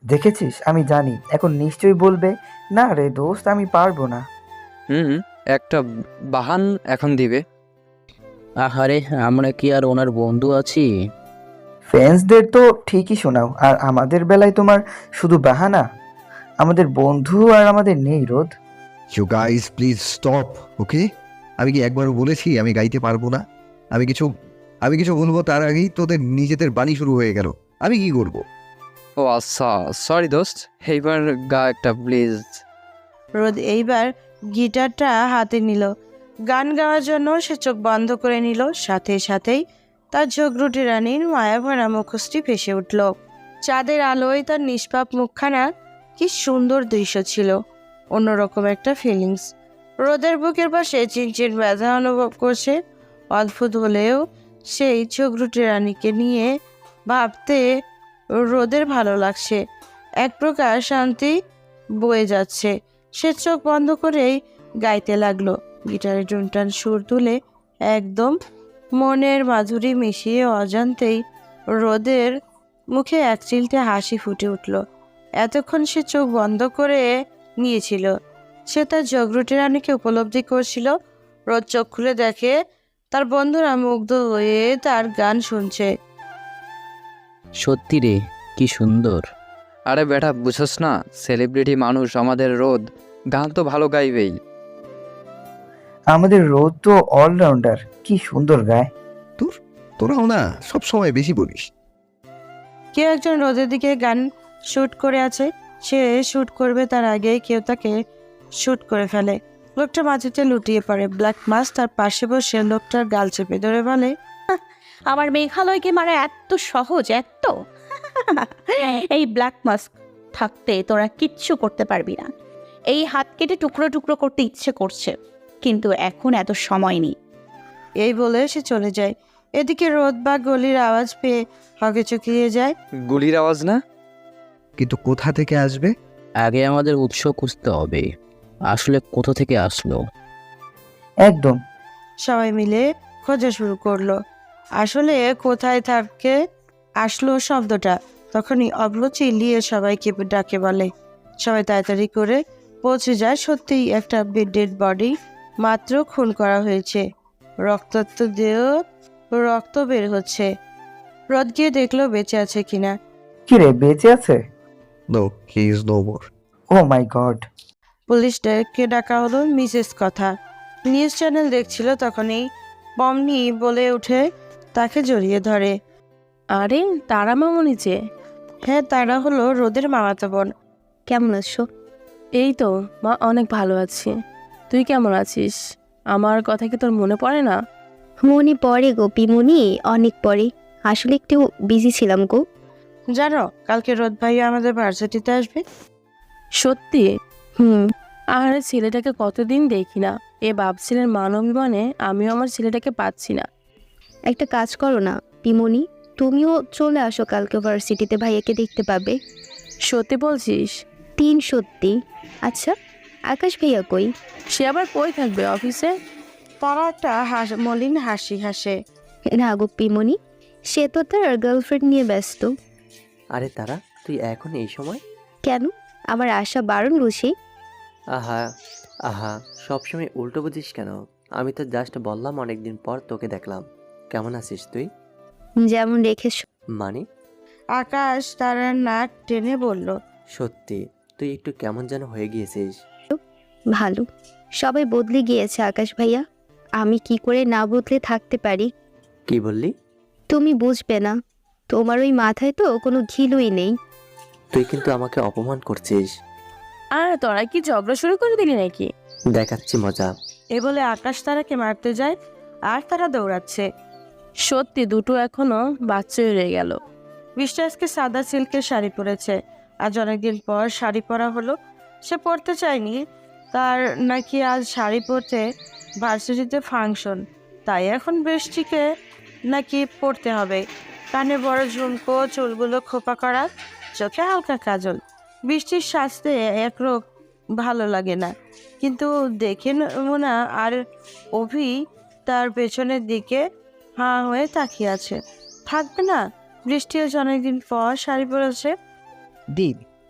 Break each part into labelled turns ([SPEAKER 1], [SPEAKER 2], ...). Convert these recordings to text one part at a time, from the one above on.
[SPEAKER 1] দেখেছিস, আমি জানি এখন নিশ্চয়ই বলবে, না রে দোস্ত আমি পারবো না।
[SPEAKER 2] হুম, একটা বাহান এখন দিবে।
[SPEAKER 3] আহারে, আমরা কি আর ওনার বন্ধু আছি?
[SPEAKER 1] ফ্রেন্ডসদের তো ঠিকই শোনাও, আর আমাদের বেলায় তোমার শুধু বাহানা। আমাদের বন্ধু আর আমাদের নেই রোদ।
[SPEAKER 4] You guys please stop, okay? আমি কি একবারও বলেছি আমি গাইতে পারবো না? আমি কিছু আমি কিছু বলবো তার আগেই তোদের নিজেদের বাণী শুরু হয়ে গেল। আমি কি করব?
[SPEAKER 2] ও আচ্ছা, সরি দোস্ত, এইবার গা একটা প্লিজ।
[SPEAKER 5] রোদ এইবার গিটারটা হাতে নিল। গান গাওয়ার জন্য সে চোখ বন্ধ করে নিল। সাথে সাথেই তার ঝগড়ুটে রানীর মায়াভরা মুখোশটি ভেসে উঠল। চাঁদের আলোয় তার নিষ্পাপ মুখখানা কি সুন্দর দৃশ্য ছিল। অন্যরকম একটা ফিলিংস। রোদের বুকের পাশে চিনচিন ব্যথা অনুভব করছে। অদ্ভুত হলেও সেই ঝগড়ুটে রানীকে নিয়ে ভাবতে রোদের ভালো লাগছে। এক প্রকার শান্তি বয়ে যাচ্ছে। সে চোখ বন্ধ করেই গাইতে লাগলো। গিটারে টুনটান সুর তুলে একদম মনের মাধুরী মিশিয়ে অজান্তেই রোদের মুখে এক চিলতে হাসি ফুটে উঠল। এতক্ষণ সে চোখ বন্ধ করে নিয়েছিল। সে তার জগরুটি রানীকে উপলব্ধি করছিল। রোদ চোখ খুলে দেখে তার বন্ধুরা মুগ্ধ হয়ে তার গান শুনছে।
[SPEAKER 3] সত্যি রে, কি সুন্দর।
[SPEAKER 2] আরে বেটা, বুঝছস না, সেলিব্রিটি মানুষ আমাদের রোদ, গান তো ভালো গাইবেই।
[SPEAKER 1] আমাদের রোদ তো অলরাউন্ডার, কি সুন্দর গায়।
[SPEAKER 4] তোরাও না সব সময় বেশি বলিস।
[SPEAKER 5] কেউ একজন রোদের দিকে গান শুট করে আছে। সে শুট করবে তার আগেই কেউ তাকে শুট করে ফেলে। লোকটা মাটিতে লুটিয়ে পড়ে। ব্ল্যাক মাস তার পাশে বসে লোকটার গাল চেপে ধরে বলে,
[SPEAKER 6] আমার মেঘালয়কে মারা এত সহজ, এত এই ব্ল্যাক মাস্ক থাকতে তোরা কিচ্ছু করতে পারবি না। এই হাত কেটে টুকরো টুকরো করতে ইচ্ছে করছে, কিন্তু এখন এত সময় নেই।
[SPEAKER 5] এই বলে সে চলে যায়। এদিকে রোদ বা গলির আওয়াজ পেয়ে হকে চকিয়ে যায়।
[SPEAKER 2] গুলির আওয়াজ না?
[SPEAKER 4] কিন্তু কোথা থেকে আসবে?
[SPEAKER 3] আগে আমাদের উৎস খুঁজতে হবে। আসলে কোথা থেকে আসলো?
[SPEAKER 1] একদম।
[SPEAKER 5] সবাই মিলে খোঁজা শুরু করলো। আসলে কোথায় থাকে আসলো শব্দটা। তখনই অভ্র চিল্লিয়ে সবাইকে ডাকে বলে। সবাই তাড়াতাড়ি করে পৌঁছে যায়। সত্যিই একটা ডেড বডি মাত্র খুন করা হয়েছে। রক্তাক্ত দেহ, রক্ত বের হচ্ছে। রোদ গিয়ে দেখলো বেঁচে আছে কিনা।
[SPEAKER 1] কি রে, বেঁচে আছে?
[SPEAKER 4] No, he is no more.
[SPEAKER 1] Oh my god.
[SPEAKER 5] পুলিশকে ডাকা হলো। মিসেস কথা নিউজ চ্যানেল দেখছিল। তখনই পমনি বলে উঠে তাকে জড়িয়ে ধরে।
[SPEAKER 7] আরে, তারা মামুনি যে।
[SPEAKER 5] হ্যাঁ, তারা হলো রোদের মামাতো বোন।
[SPEAKER 6] কেমন আছো?
[SPEAKER 7] এই তো মা, অনেক ভালো আছি। তুই কেমন আছিস? আমার কথা কি তোর মনে পড়ে না?
[SPEAKER 8] মনে পড়ে গো পিমুনি, অনেক পরে। আসলে একটু বিজি ছিলাম গো।
[SPEAKER 5] জানো কালকে রোদ ভাই আমাদের ভার্সিটিতে আসবে।
[SPEAKER 7] সত্যি?
[SPEAKER 8] হুম।
[SPEAKER 7] আর ছেলেটাকে কতদিন দেখি না। এ ভাবছিলেন মানবিমানে আমিও আমার ছেলেটাকে পাচ্ছি না।
[SPEAKER 8] একটা কাজ করো না পিমুনি, তুমিও চলে আসো কালকে ভার্সিটিতে, ভাইয়াকে দেখতে পাবে।
[SPEAKER 7] সত্যি বলছিস?
[SPEAKER 8] সত্যি। আচ্ছা, আকাশ ভাইয়া কই?
[SPEAKER 7] সে আবার কই থাকবে, অফিসে?
[SPEAKER 5] তারা একটা মলিন হাসি হাসে।
[SPEAKER 8] না গো পিমুনি, সে তো তার গার্লফ্রেন্ড নিয়ে ব্যস্ত।
[SPEAKER 9] আরে তারা, তুই এখন এই সময়?
[SPEAKER 8] কেন, আমার আশা বারণ বুঝি?
[SPEAKER 9] আহা আহা, সবসময় উল্টো বুঝিস কেন? আমি তো জাস্ট বললাম অনেকদিন পর তোকে দেখলাম। কেমন আছিস তুই?
[SPEAKER 8] যেমন রেখেছ।
[SPEAKER 9] মানে?
[SPEAKER 5] আকাশ তার নাক টেনে বলল,
[SPEAKER 9] সত্যি তুই একটু কেমন যেন হয়ে গিয়েছিস।
[SPEAKER 8] ভালো। সবাই বদলে গিয়েছে আকাশ ভাইয়া, আমি কি করে না বদলে থাকতে পারি?
[SPEAKER 9] কি বললি?
[SPEAKER 8] তুমি বুঝবে না, তোমার ওই মাথায় তো কোনো ঘিলুই নেই।
[SPEAKER 9] তুই কিন্তু আমাকে অপমান করছিস।
[SPEAKER 7] আর তোরা কি ঝগড়া শুরু করে দিলি নাকি?
[SPEAKER 9] দেখাচ্ছি মজা।
[SPEAKER 5] এ বলে আকাশ তারাকে মারতে যায়। আর তারা দৌড়াচ্ছে।
[SPEAKER 7] সত্যি দুটো এখনো বাচ্চাই রয়ে গেল।
[SPEAKER 5] বৃষ্টি আজকে সাদা সিল্কের শাড়ি পরেছে। আজ অনেকদিন পর শাড়ি পরা হলো। সে পরতে চায়নি, তার নাকি আজ শাড়ি পরতে ভার্সিটিতে ফাংশন, তাই এখন বৃষ্টিকে নাকি পরতে হবে। কানে বড় ঝুমকো, চুলগুলো খোপা করা, চোখে হালকা কাজল। বৃষ্টির সাজতে একরোক ভালো লাগে না, কিন্তু দেখে মোনা আর অভি তার পেছনের দিকে হাঁ হয়ে তাকিয়ে আছে। থাকবে না? বৃষ্টি আজ অনেকদিন পর শাড়ি পরেছে।
[SPEAKER 10] দীপ,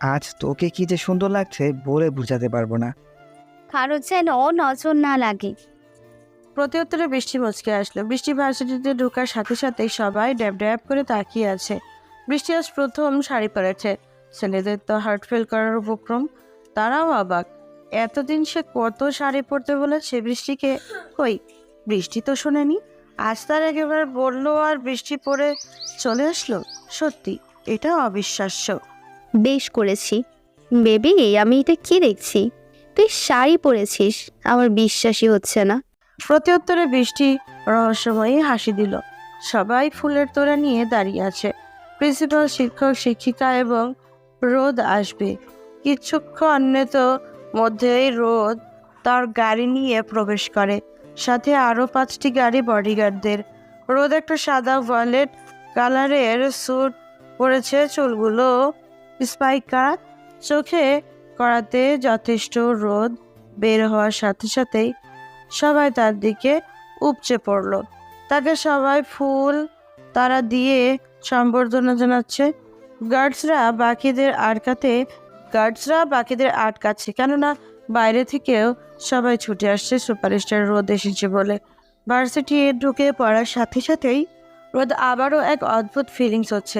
[SPEAKER 1] আজ তোকে কি যে সুন্দর লাগছে বলে বোঝাতে পারবো না।
[SPEAKER 8] কারো যেন নজর না লাগে।
[SPEAKER 5] প্রত্যুত্তরে বৃষ্টি মুচকে আসলো। বৃষ্টি ভার্সিটিতে ঢোকার সাথে সাথেই সবাই ড্যাব ড্যাব করে তাকিয়ে আছে। বৃষ্টি আজ প্রথম শাড়ি পরেছে। ছেলেদের তো হার্ট ফেল করার উপক্রম, তারাও অবাক। এতদিন সে কত শাড়ি পরতে বলেছে বৃষ্টিকে, কই বৃষ্টি তো শোনেনি। আজ তার একেবারে বললো আর বৃষ্টি পরে চলে আসলো। সত্যি এটা অবিশ্বাস্য।
[SPEAKER 8] বেশ করেছি বেবি, আমি এটা কি দেখছি? তুই শাড়ি পরেছিস, আমার বিশ্বাসই হচ্ছে না।
[SPEAKER 5] প্রত্যুত্তরে বৃষ্টি রহস্যময়ী হাসি দিল। সবাই ফুলের তোড়া নিয়ে দাঁড়িয়ে আছে। প্রিন্সিপাল, শিক্ষক, শিক্ষিকা এবং রোদ আসবে কিছুক্ষণ মধ্যেই। রোদ তার গাড়ি নিয়ে প্রবেশ করে, সাথে আরো 5টি গাড়ি বডিগার্ডদের। রোদ একটা সাদা ভয়েলেট কালারের স্যুট পরেছে, চুলগুলো স্পাইক করা, চোখে করাতে যথেষ্ট। রোদ বের হওয়ার সাথে সাথেই সবাই তার দিকে উপচে পড়ল। তাকে সবাই ফুল তারা দিয়ে সম্বর্ধনা জানাচ্ছে। গার্ডসরা বাকিদের আটকাচ্ছে, কেননা বাইরে থেকেও সবাই ছুটে আসছে সুপারস্টার রোদ এসেছে বলে। ভার্সিটি ঢুকে পড়ার সাথে সাথেই রোদ আবারও এক অদ্ভুত ফিলিংস হচ্ছে।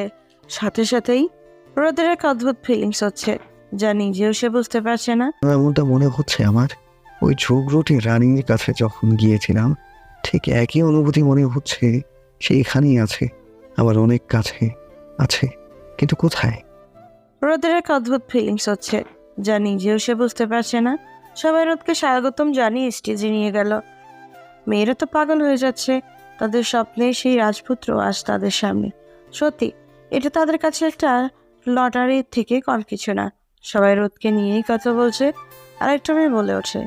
[SPEAKER 5] যা নিজেও সে বুঝতে পারছে না।
[SPEAKER 4] এমনটা মনে হচ্ছে আমার, ওই ঝগড়ুটি রানীর কাছে যখন গিয়েছিলাম ঠিক একই অনুভূতি মনে হচ্ছে। সে এখানেই আছে, আবার অনেক কাছে আছে, কিন্তু কোথায়?
[SPEAKER 5] রোদের এক অদ্ভুত ফিলিংস হচ্ছে, যা নিজেও সে বুঝতে পারছে না। সবাই রোদকে স্বাগতম জানিয়ে স্টেজে নিয়ে গেল। মেয়েরা তো পাগল হয়ে যাচ্ছে। তাদের স্বপ্নে সেই রাজপুত্র আজ তাদের সামনে। সত্যি এটা তাদের কাছে একটা লটারির থেকে কম কিছু না। সবাই রোদকে নিয়েই কথা বলছে। আরেকটা মেয়ে বলে ওঠে,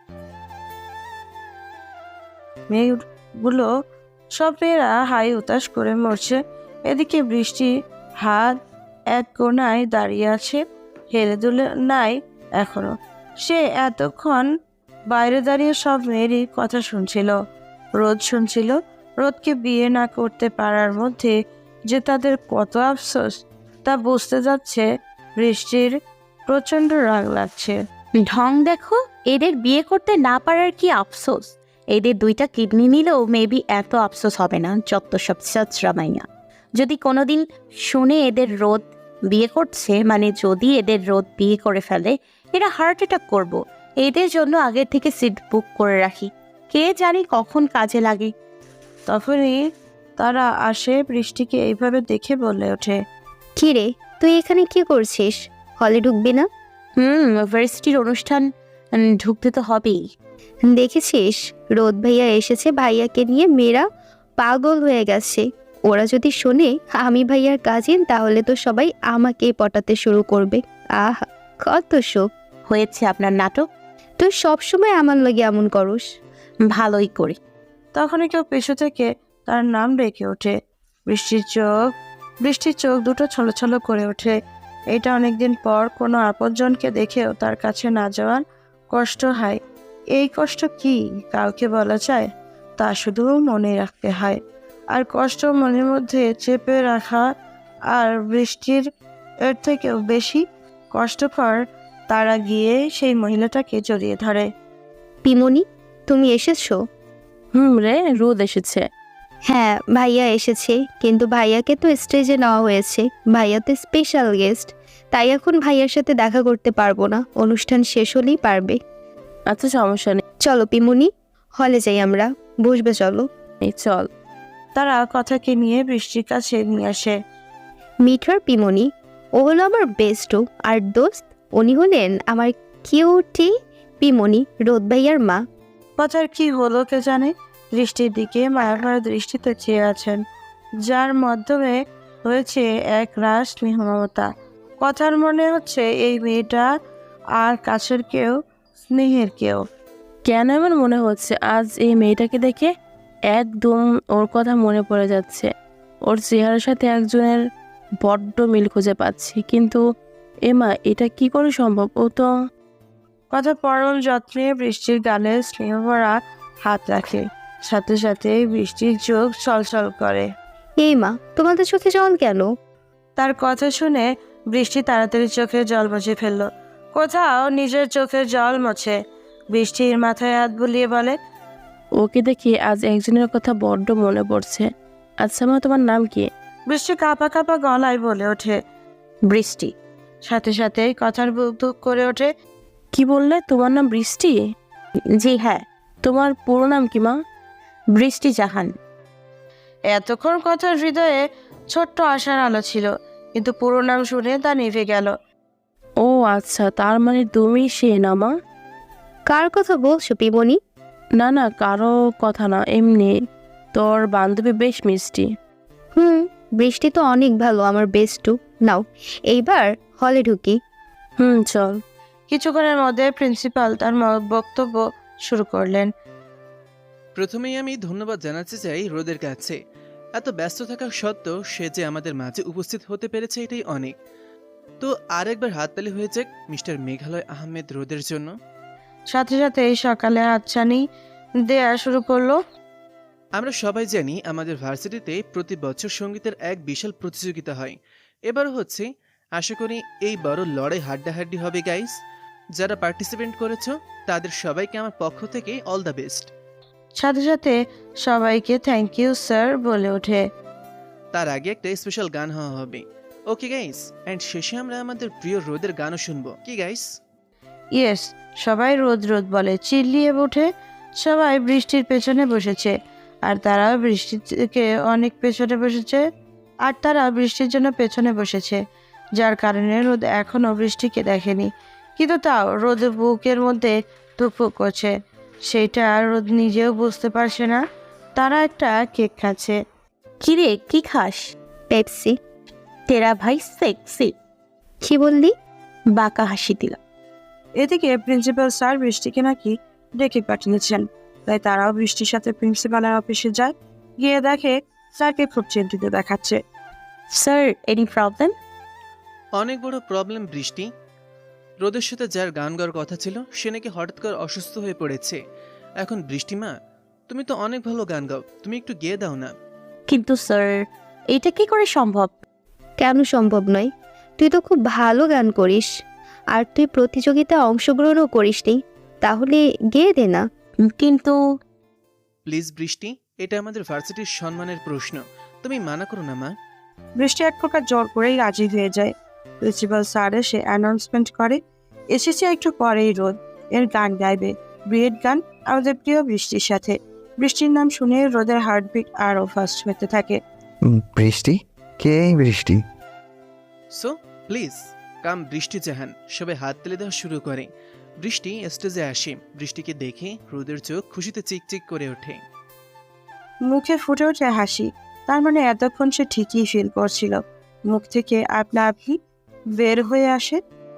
[SPEAKER 5] মেয়েগুলো সব মেয়েরা হাই উতাস করে মরছে। এদিকে বৃষ্টি হাত এক কোণায় দাঁড়িয়ে আছে, হেলে দুলে নাই এখনো। সে এতক্ষণ বাইরে দাঁড়িয়ে সব মেয়েরই কথা শুনছিল। রোদকে বিয়ে না করতে পারার মধ্যে যে তাদের কত আফসোস তা বুঝতে যাচ্ছে। বৃষ্টির প্রচন্ড রাগ লাগছে।
[SPEAKER 6] ঢং দেখো, এদের বিয়ে করতে না পারার কি আফসোস। এদের 2টা কিডনি নিলেও মেবি এত আফসোস হবে না, যত সব সচরামাইয়া। যদি কোনোদিন শুনে এদের রোদ বিয়ে করছে, মানে যদি এদের রোদ বিয়ে করে ফেলে, এরা হার্ট অ্যাটাক করব। এদের জন্য আগের থেকে সিট বুক করে রাখি, কে জানি কখন কাজে লাগে।
[SPEAKER 5] তখনই তারা আসে। বৃষ্টিকে এইভাবে দেখে বলে ওঠে,
[SPEAKER 8] কি রে, তুই এখানে কি করছিস? হলে ঢুকবি না?
[SPEAKER 6] ভার্সিটির অনুষ্ঠান, ঢুকতে তো হবেই।
[SPEAKER 8] দেখেছিস রোদ ভাইয়া এসেছে, ভাইয়াকে নিয়ে মেয়েরা পাগল হয়ে গেছে। ওরা যদি শোনে আমি ভাইয়ার কাজিন, তাহলে তো সবাই আমাকেই পটাতে শুরু করবে। আহা, কত শোক।
[SPEAKER 6] হয়েছে আপনার নাটক,
[SPEAKER 8] তুই সবসময় আমার লাগে এমন করস।
[SPEAKER 6] ভালোই করি।
[SPEAKER 5] তখনই কেউ পেছু থেকে তার নাম ডেকে ওঠে। বৃষ্টির চোখ দুটো ছলছল করে ওঠে। এটা অনেকদিন পর কোনো আপনজনকে দেখেও তার কাছে না যাওয়ার কষ্ট হয়। এই কষ্ট কি কাউকে বলা যায়? তা শুধু মনে রাখতে হয়। আর কষ্ট মনের মধ্যে চেপে রাখা আর বৃষ্টির এর থেকেও বেশি কষ্টকর। তারা গিয়ে সেই মহিলাটাকে জড়িয়ে ধরে।
[SPEAKER 8] পিমনি, তুমি এসেছো?
[SPEAKER 7] রে, রোদ এসেছে।
[SPEAKER 8] হ্যাঁ, ভাইয়া এসেছে, কিন্তু ভাইয়াকে তো স্টেজে নেওয়া হয়েছে। ভাইয়া তো স্পেশাল গেস্ট, তাই এখন ভাইয়ার সাথে দেখা করতে পারবো না। অনুষ্ঠান শেষ হলেই পারবে।
[SPEAKER 7] আচ্ছা, সমস্যা নেই,
[SPEAKER 8] চলো পিমনি, হলে যাই আমরা। বসবে চলো।
[SPEAKER 7] চল।
[SPEAKER 5] তারা কথাকে নিয়ে বৃষ্টির কাছে নিয়ে আসে।
[SPEAKER 8] মিঠার পিমনি, ও হলো আমার বেস্টও আর দোস্ত। উনি হলেন আমার কিউটি পিমনি, রোদ ভাইয়ার মা।
[SPEAKER 5] কথার কি হলো কে জানে। দৃষ্টির দিকে মায়াভরা দৃষ্টিতে চেয়ে আছেন, যার মাধ্যমে হয়েছে এক রাস স্নেহ মমতা। কথার মনে হচ্ছে এই মেয়েটা আর কাছের কেউ, স্নেহের কেউ।
[SPEAKER 7] কেন এমন মনে হচ্ছে আজ এই মেয়েটাকে দেখে? একদম ওর কথা মনে পড়ে যাচ্ছে। ওর চেহারার সাথে একজনের বড্ড মিল খুঁজে পাচ্ছি, কিন্তু এমা, এটা কি করে সম্ভব? ও তো...
[SPEAKER 5] কথা পরম যত্নে বৃষ্টির গালে স্নেহভরা হাত রাখে। সাথে সাথে বৃষ্টির চোখ ছলছল করে।
[SPEAKER 8] এই মা, তোমাদের চোখে জল কেন?
[SPEAKER 5] তার কথা শুনে বৃষ্টি তাড়াতাড়ি চোখের জল মুছে ফেলল। কোথাও নিজের চোখের জল মোছে। বৃষ্টির মাথায় হাত বুলিয়ে বলে,
[SPEAKER 7] ওকে দেখি আজ একজনের কথা বড্ড মনে পড়ছে। আচ্ছা মা, তোমার নাম কি?
[SPEAKER 5] বৃষ্টি কাঁপা কাঁপা গলায় বলে ওঠে,
[SPEAKER 6] বৃষ্টি।
[SPEAKER 5] সাথে সাথেই কথার বুক ধুক করে ওঠে।
[SPEAKER 7] কি বললে তোমার নাম বৃষ্টি?
[SPEAKER 6] জি হ্যাঁ,
[SPEAKER 7] তোমার পুরো নাম কি মা?
[SPEAKER 6] বৃষ্টি জাহান।
[SPEAKER 5] এতক্ষণ কথার হৃদয়ে ছোট্ট আশার আলো ছিল, কিন্তু পুরো নাম শুনে তা নিভে গেল।
[SPEAKER 7] ও আচ্ছা, তার মানে তুমি সে না মা?
[SPEAKER 8] কার কথা বলছো পিবনি?
[SPEAKER 7] না না, কারো কথা না, এমনি তোর বান্ধবী বেশ মিষ্টি।
[SPEAKER 8] বৃষ্টি তো অনেক ভালো, আমার বেস্টু। নাও এইবার হলে ঢুকি।
[SPEAKER 7] চল।
[SPEAKER 5] কিছুক্ষণের মধ্যে প্রিন্সিপাল তার বক্তব্য শুরু করলেন।
[SPEAKER 10] প্রথমেই আমি ধন্যবাদ জানাতে চাই রোদের কাছে। এত ব্যস্ত থাকা সত্ত্বেও সে যে আমাদের মাঝে উপস্থিত হতে পেরেছে এটাই অনেক। তো আরেকবার হাততালি হয়ে যাক মিস্টার মেঘালয় আহমেদ রোদের জন্য।
[SPEAKER 5] সাথে সাথে সকালে হাতছানি দেয়া শুরু করলো।
[SPEAKER 10] আমরা সবাই জানি আমাদের ভার্সিটিতে প্রতি বছর সঙ্গীতের এক বিশাল প্রতিযোগিতা হয়। এবারও হচ্ছে। আশা করি এই বড় লড়াই হাড্ডাহাড্ডি হবে গাইস। যারা পার্টিসিপেট করেছো তাদের সবাইকে আমার পক্ষ থেকে অল দ্য বেস্ট।
[SPEAKER 5] সাথে সাথে সবাইকে থ্যাংক ইউ স্যার বলে ওঠে।
[SPEAKER 10] তার আগে একটা স্পেশাল গান হওয়া হবে। ওকে গাইস, এন্ড শেষে আমরা আমাদের প্রিয় রোদের গানও শুনবো, কি গাইস?
[SPEAKER 5] ইয়েস, সবাই রোদ রোদ বলে চিল্লিয়ে ওঠে। সবাই বৃষ্টির পেছনে বসেছে, আর তারা বৃষ্টির জন্য পেছনে বসেছে, যার কারণে রোদ এখনো বৃষ্টিকে দেখেনি। কিন্তু তাও রোদের বুকের মধ্যে ধুকপুক করছে। সেইটা রোদ নিজেও বুঝতে পারছে না। তারা একটা কেক খাচ্ছে।
[SPEAKER 6] কিরে, কি খাস?
[SPEAKER 8] পেপসি।
[SPEAKER 6] তেরা ভাই সেক্সি।
[SPEAKER 8] কি বললি?
[SPEAKER 6] বাঁকা হাসি দিলাম।
[SPEAKER 5] এদিকে প্রিন্সিপাল স্যার বৃষ্টিকে নাকি ডেকে পাঠিয়েছেন, তাই তারাও বৃষ্টির সাথে প্রিন্সিপালের অফিসে যায়। গিয়ে দেখে স্যারকে খুব চিন্তিত দেখাচ্ছে।
[SPEAKER 6] Sir, any problem?
[SPEAKER 10] অনেক বড় প্রবলেম বৃষ্টি। রোদের সাথে যার গান গাওয়ার কথা ছিল সে নাকি হঠাৎ করে অসুস্থ হয়ে পড়েছে। এখন বৃষ্টিমা, তুমি তো অনেক ভালো গান গাও, তুমি একটু গেয়ে দাও না।
[SPEAKER 6] কিন্তু স্যার, এটা কি করে সম্ভব?
[SPEAKER 8] কেন সম্ভব নয়? তুই তো খুব ভালো গান করিস, আর তুই প্রতিযোগিতায় অংশগ্রহণও করিসনি, তাহলে গেয়ে দে না।
[SPEAKER 6] কিন্তু
[SPEAKER 10] প্লিজ বৃষ্টি, এটা আমাদের ভার্সিটির সম্মানের প্রশ্ন, তুমি মানা করো না মা।
[SPEAKER 5] বৃষ্টি এক প্রকার জোর করেই রাজি হয়ে যায়। প্রিন্সিপাল স্যার এসে অ্যানাউন্সমেন্ট করে, এসেছে একটু পরেই রোদ এর গান গাইবে, বিয়ের গান আমাদের প্রিয় বৃষ্টির সাথে। বৃষ্টির নাম শুনে রোদের হার্টবিট আরও ফাস্ট হতে থাকে।
[SPEAKER 4] বৃষ্টি? কে এই বৃষ্টি?
[SPEAKER 10] সো প্লিজ কাম বৃষ্টি জাহান। সবাই হাত তুলে দেওয়া শুরু করে। বৃষ্টি স্টেজে আসে। বৃষ্টিকে দেখে রোদের চোখ খুশিতে চিকচিক করে ওঠে।
[SPEAKER 5] মুখে ফুটে ওঠে হাসি। তার মানে এতক্ষণ সে ঠিকই ফিল করছিল। মুখ থেকে আপনা আপনি বের হয়ে আসে,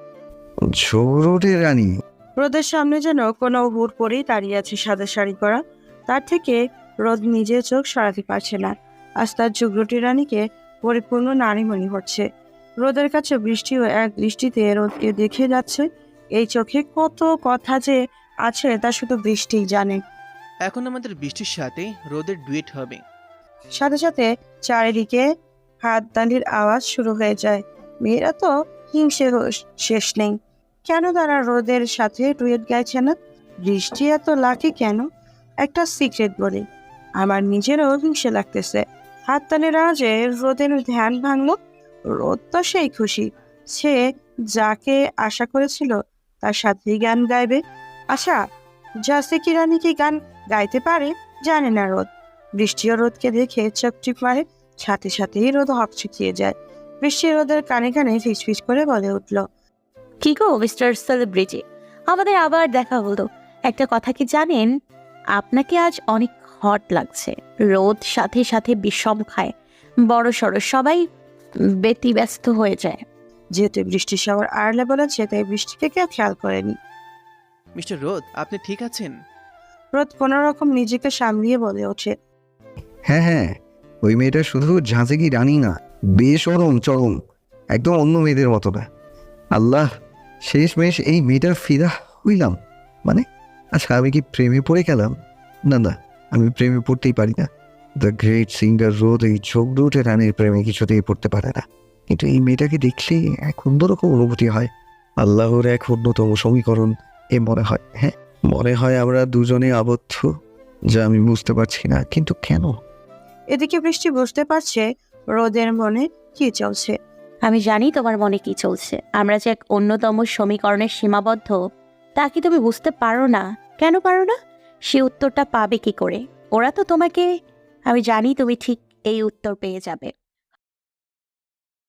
[SPEAKER 4] ঝগড়টে রানী।
[SPEAKER 5] রোদের সামনে যেন কোনো হুড় পরেই দাঁড়িয়ে আছে সাদা শাড়ি পরা। তার থেকে রোদ নিজের চোখ সরাতে পারছে না। আজ তার যুগরুটি রানীকে পরিপূর্ণ নারী মনে হচ্ছে। রোদের কাছে বৃষ্টিও এক দৃষ্টিতে রোদকে দেখে যাচ্ছে। এই চোখে কত কথা যে আছে তা শুধু বৃষ্টিই জানে।
[SPEAKER 10] এখন আমাদের বৃষ্টির সাথে রোদের ডুয়েট হবে।
[SPEAKER 5] সাথে সাথে চারিদিকে হাততালির আওয়াজ শুরু হয়ে যায়। মেয়েরা তো হিংসে শেষ নেই। কেন তারা রোদের সাথে ডুয়েট গাইছে না? বৃষ্টি এত লাকি কেন? একটা সিক্রেট বলি, আমার নিজেরও হিংসে লাগতেছে। হাততালির আওয়াজে রোদের ধ্যান ভাঙলো। রোদ তো সেই খুশি, সে যাকে আশা করেছিল তার সাথেই গান গাইবে। আশা জাসিকি রানী কি গান গাইতে পারে জানে না রোদ। বৃষ্টিও রোদকে দেখে চোখ টিপ মারে। সাথে সাথেই রোদ হকচকিয়ে যায়। বৃষ্টি রোদের কানে কানে ফিসফিস করে বলে উঠল,
[SPEAKER 6] কি গো মিস্টার সেলিব্রিটি, আমাদের আবার দেখা হলো। একটা কথা কি জানেন, আপনাকে আজ অনেক হট লাগছে। রোদ সাথে সাথে বিষম খায়, বড় সড়ো সবাই ব্যতিব্যস্ত হয়ে যায়।
[SPEAKER 5] যেহেতু বৃষ্টির সবার আড়লে বলেছে, তাই বৃষ্টিকে কেউ খেয়াল করেনি।
[SPEAKER 10] মিস্টার রোদ, আপনি ঠিক আছেন?
[SPEAKER 5] রোদ কোনো রকম নিজেকে সামলিয়ে বলে ওঠে,
[SPEAKER 4] হ্যাঁ হ্যাঁ, ওই মেয়েটা শুধু ঝাঁঝেকি রানী না, বেসরম চরম, একদম অন্য মেয়েদের মতো না। আল্লাহ, শেষমেশ এই মেয়েটার ফিদা হইলাম। মানে আচ্ছা, আমি কি প্রেমে পড়ে গেলাম? না না, আমি প্রেমে পড়তেই পারি না। দ্য গ্রেট সিঙ্গার রোদ এই ঝগড়ুটে রানীর প্রেমে কিছুতেই পড়তে পারে না। কিন্তু এই মেয়েটাকে দেখলে এক অন্যরকম অনুভূতি হয়। আল্লাহর এক অন্যতম সমীকরণ এ মনে হয়। হ্যাঁ, মনে হয় আমরা দুজনে আবদ্ধ, যা আমি বুঝতে পারছি না, কিন্তু কেন?
[SPEAKER 5] এদিকে বৃষ্টি বুঝতে পারছে রোদের মনে কি চলছে।
[SPEAKER 6] আমি জানি তোমার মনে কি চলছে। আমরা যে এক অন্যতম সমীকরণের সীমাবদ্ধ, তা কি তুমি বুঝতে পারো না? কেন পারো না? সে উত্তরটা পাবে কি করে? ওরা তো তোমাকে, আমি জানি তুমি ঠিক এই উত্তর পেয়ে যাবে।